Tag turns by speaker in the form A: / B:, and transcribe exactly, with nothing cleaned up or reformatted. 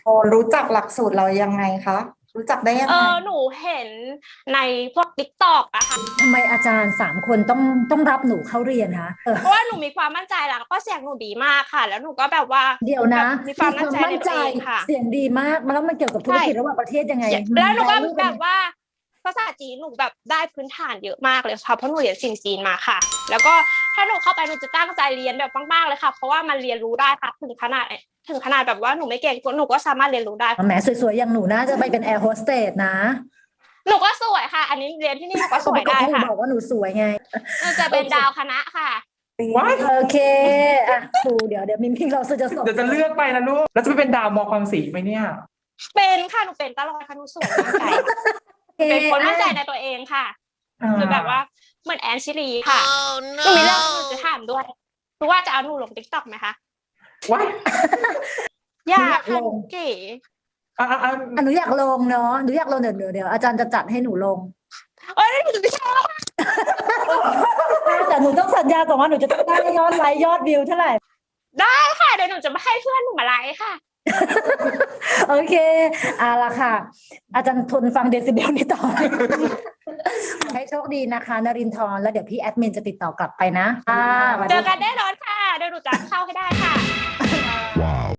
A: รู้จักหลักสูตรเรายังไงคะรู้จักได้ยัง
B: เอ
A: ไง
B: อหนูเห็นในพวกติ๊กตอกอะค่ะ
C: ทำไมอาจารย์สามคนต้องต้องรับหนูเข้าเรียนคะเออ
B: เพราะว่าหนูมีความมั่นใจแล้วก็เสียงหนูดีมากค่ะ แล้วหนูก็แบบว่า
C: เดี๋ยวนะ
B: แบบมีความมั่นใจในตัวเองค่ะ
C: เสียงดีมากมันแล้วมันเกี่ยวกับธุรกิจระหว่างประเทศยังไง
B: แล้วหนูก็
C: มัน
B: แบบว่าภาษาจีนหนูแบบได้พื้นฐานเยอะมากเลยค่ะเพราะหนูเรียนสิ่งจีนมาค่ะ แล้วก็ถ้าหนูเข้าไปหนูจะตั้งใจเรียนแบบมากๆเลยค่ะเพราะว่ามันเรียนรู้ได้ค่ะถึงขนาดถึงขนาดแบบว่าหนูไม่เก่งหนูก็สามารถเรียนรู้ได้
C: แหมสวยๆอย่างหนูน่าจะไปเป็นแอร์โฮสเตสนะ
B: หนูก็สวยค่ะ อันนี้เรียนที่นี่หนูก็สวยได้ค่ะ
C: บอกว่าหนูสวยไง
B: หนูจะเป็นดาวคณะค่ะ
A: ว้าย
C: โอเคอ่ะครูเดี๋ยวเดี๋ยวมิมพิงเราจะส่ง
A: เดี๋ยวจะเลือกไปนะลูกแล้วจะไปเป็นดาวมอความสีไหมเนี่ย
B: เป็นค่ะหนูเป็นตลอดค่ะหนูสวยมั่นใจเป็นคนมั่นใจในตัวเองค่ะคือแบบว่าเหมือนแอนชิลีค่ะหนูมีเรื่องหนูจะถามด้วยรู้ว่าจะเอาหนูลงติ๊กต็อกไหมคะ
A: ว้าย
B: อยากค่ะหนูเก๋
A: อ่ะอ่ะอ่ะ
C: อ่ะหนูอยากลงเนาะหนูอยากลงเดี๋ยวเดี๋ยวเดี๋ยวอาจารย์จะจัดให้หนูลง
B: เอ้ยหนูไม่ชอบ
C: แต่หนูต้องสัญญาก่อนว่าหนูจะต้องได้ยอดไลค์ยอดวิวเท่าไหร่
B: ได้ค่ะเดี๋ยวหนูจะมาให้เพื่อนหนูมาไลค์ค่ะ
C: โอเคเอาละค่ะ อาจารย์ทนฟังเดซิเบลนี้ต่อ ให้โชคดีนะคะนรินทร์แล้วเดี๋ยวพี่แอดมินจะติดต่อกลับไปนะค่ะสวัส
B: เจ
C: ดี
B: อกันแน่นอนค่ะเดี๋ยวหนูจะเข้าให้ได้ค่ะ